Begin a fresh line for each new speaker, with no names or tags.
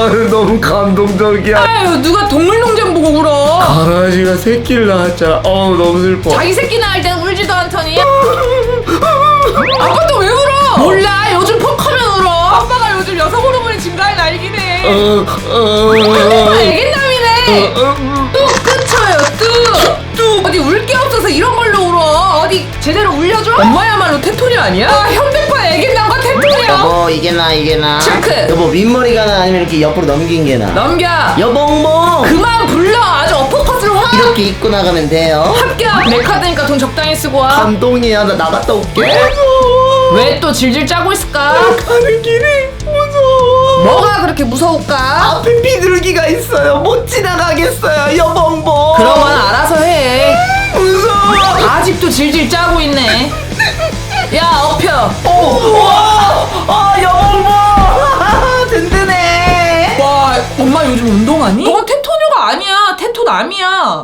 너무 감동적이야.
아유, 누가 동물농장 보고 울어.
강아지가 새끼를 낳았잖아. 너무 슬퍼.
자기 새끼 낳을 땐 울지도 않더니. 아빠 또 왜 울어? 몰라, 요즘 퍽하면 울어. 아빠가 요즘 여성 호르몬이 증가할 나이기네. 아빠 애견남이네. 뚝 끊쳐요, 뚝. 어디 울 게 없어서 이런 걸로 울어. 어디 제대로 울려줘? 엄마야말로 테토니 아니야? 현대판 애견남과 테토니야.
여보 이게 나
체크.
여보 윗머리가 나 아니면 이렇게 옆으로 넘긴 게 나?
넘겨.
여봉봉
그만 불러. 아주 어퍼컷으로 확.
이렇게 입고 나가면 돼요?
합격. 내 카드니까 돈 적당히 쓰고 와.
감동이야. 나 나갔다 올게.
왜 또 질질 짜고 있을까?
가는 길이 무서워.
뭐가 그렇게 무서울까?
앞에 비둘기가 있어요. 못 지나가겠어요. 여봉봉.
그러면 알아서 해.
무서워.
아직도 질질 짜고 있네. 야, 엎혀.
여봉봉. 든든해.
와, 엄마 요즘 운동하니? 너가 테토녀가 아니야. 테토남이야.